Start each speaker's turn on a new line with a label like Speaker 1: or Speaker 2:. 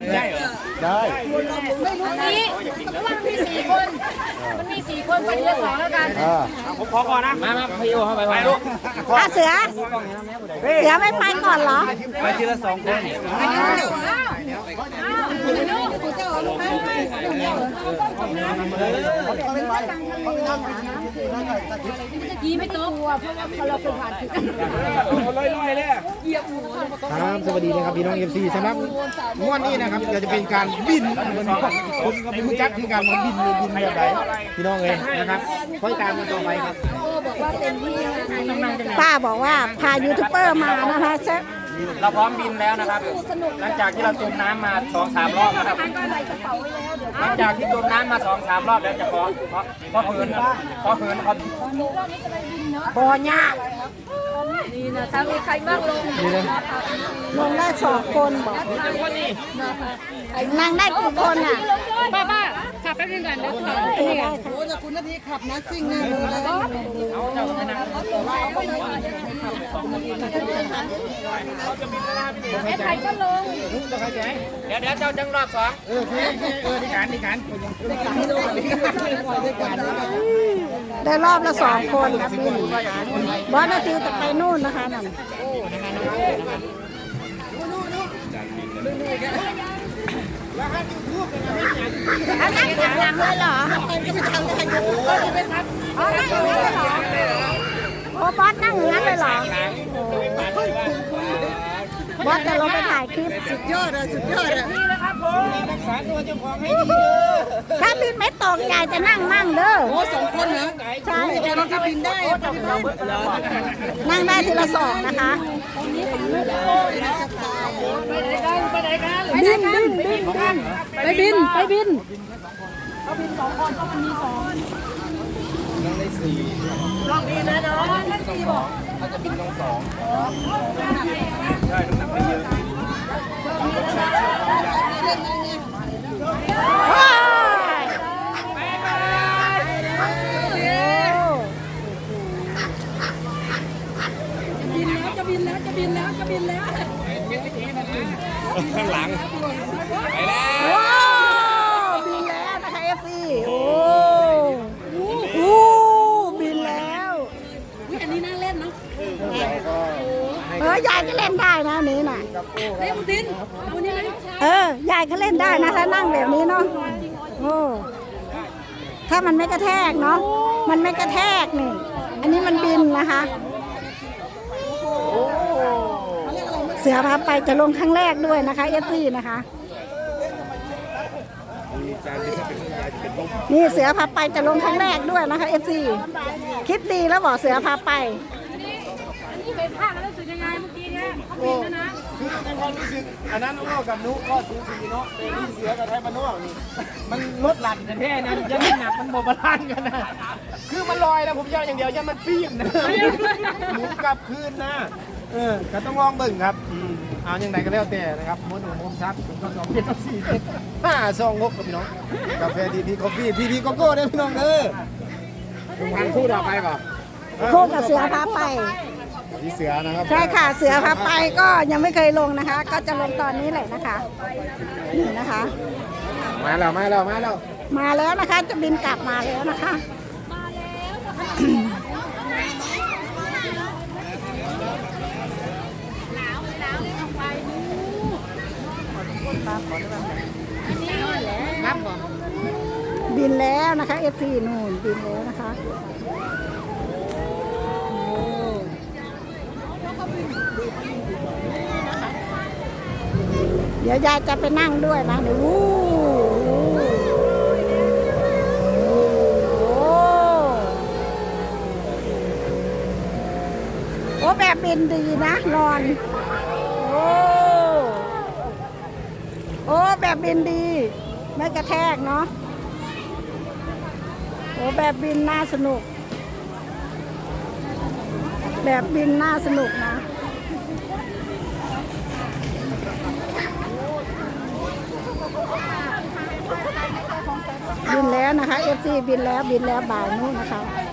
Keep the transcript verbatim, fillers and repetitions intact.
Speaker 1: ได้เหรอได้
Speaker 2: ไม่รู้นี่มันมีสี่คนมันมีสี่คนไปเรือสองแล้วกัน
Speaker 1: ผมขอก่อนนะมามาพี่โอเข้าไปไปลูก
Speaker 3: อาเสือเสือไม่ไปก่อนเหรอ
Speaker 1: ไปทีละสองคน
Speaker 2: ยีไม่ตัวเพราะว่าเราเป็นผ่านถึง
Speaker 1: ลอยๆเลยครับสวัสดีนะครับพี่น้องเอฟซีสำหรับม้วนนี้นะครับจะเป็นการบินผมก็ไม่รู้จักที่การมันบินบินแบบไหนพี่น้องเลยนะครับค่อยตามกันต่อไปครับ
Speaker 3: ป้าบอกว่าพายูทูบเบอร์มานะคะ
Speaker 1: เราพร้อมบินแล้วนะครับหลังจากที่เราจมน้ำมาสองสามรอบนะครับหลังจากที่จมน้ำมาสองสามรอบแล้วจะขอขอขอเหินขอเหินขอบ่อยาก
Speaker 2: นี่นะถ้ามีใครบ้างลง
Speaker 3: ลงได้สองคนบอกนั่งได้กี่คนอ่ะ
Speaker 2: ป้าป้าขับแป๊บนึงก่อนเดี๋ยวขับนี่
Speaker 4: โอ้แต่คุณนาทีขับนะซิ่งแน่เลย
Speaker 2: ไอ้ไข่ก็ลง
Speaker 1: เดี๋ยวเดี๋ยวเจ้าจังรอบสองเออเออที่การที่การ
Speaker 3: ได้รอบละสองคนนะบินบอสนาทีจะไปนู่นนะคะนั่นอันนั้นทางเลยเหรออ๋อนั่งอย่างนั้นเลยเหรอโอ้บอสนั่งอย่างนั้นเลยเหรอบอสจะลงไปถ่ายคลิป
Speaker 4: สุดยอดเลยสุดยอดเลย
Speaker 1: นี่นะครับผมรักษาตัวเจ้าของให้ดีเด้อ
Speaker 3: ถ้าบินไม่ตกยายจะนั่งมั่งเด้อ
Speaker 4: โอ้สองคนเหรอ
Speaker 3: ใช่
Speaker 4: จะนั่งที่บินได้
Speaker 3: นั่งได้ทีละสองนะคะ
Speaker 2: ไปไหนกันไปไหนกันบินบินบินกันไปบินไปบินเขาบินสองคนเขามีสอง
Speaker 1: นั่งได้สี่
Speaker 2: ลองดีนะน้องนั่นสี่บอก
Speaker 1: ถ้าจะบินต้องสองใช่น้ำหนักไม่เยอะ
Speaker 2: จะบินแล้วจะบินแล้วจะบินแล้ว
Speaker 1: ข้างหลังไปแล้ว
Speaker 3: ว้าวบินแล้วนะคะเอฟซีโอ้โหบินแล้ว
Speaker 2: อันนี้น่าเล่นเนาะ
Speaker 3: เออยายก็เล่นได้นะนี้น่ะ
Speaker 2: เล่นดินเอานี่ไหม
Speaker 3: เออยายก็เล่นได้นะถ้านั่งแบบนี้เนาะโอ้ถ้ามันไม่กระแทกเนาะมันไม่กระแทกนี่อันนี้มันบินนะคะเสือพาไปจะลงครั้งแรกด้วยนะคะเอฟซีนะคะนี่เสือพาไปจะลงครั้งแรกด้วยนะคะเอฟซีคิดดีแล้วบอกเสือพาไป
Speaker 2: อันนี้เป็นภาคแล้วรู้สึกยังไงเมื่อกี้เนี่ยเขาบินแล้วนะ
Speaker 1: คือในความรู้สึกอันนั้นนุ๊กกับนุ๊กก็สูสีเนาะแต่นี่เสือกับไทยบ้านนอกนี่มันลดหลั่นกันแท้นะยังไม่หนักมันโบบราณกันนะคือมันลอยแล้วผมยาวอย่างเดียวยังมันปีนนะหมุนกลับคืนนะเออก็ต้องลองเบิ่งครับเอาอย่างไรก็แล้วแต่นะครับมุนมุมชักผมก็สองเจ็ดสองสี่ห้าสองหกกับพี่น้องกาแฟดีพีกาแฟทีพีโกโก้ได้พี่น้องเด้อผมพันคู่ต่อไปก่อน
Speaker 3: คู่กับเสือพาไป
Speaker 1: ที่เสือนะครับ
Speaker 3: ใช่ค่ะเสือพาไปก็ยังไม่เคยลงนะคะก็จะลงตอนนี้แหละนะคะนี่นะคะ
Speaker 1: มาแล้วมาแล้วมาแล้ว
Speaker 3: มาแล้วนะคะจะบินกลับมาแล้วนะคะบินแล้วนะคะเอฟซีนู่นบินแล้วนะคะเดี๋ยวยายจะไปนั่งด้วยนะเดี๋ยววู้โอ้แบบบินดีนะนอนโอ้โอ้แบบบินดีไม่กระแทกเนาะโอ้แบบบินน่าสนุกแบบบินน่าสนุกนะบินแล้วนะคะเอฟซีบินแล้วบินแล้วบ่ายนู้นนะคะ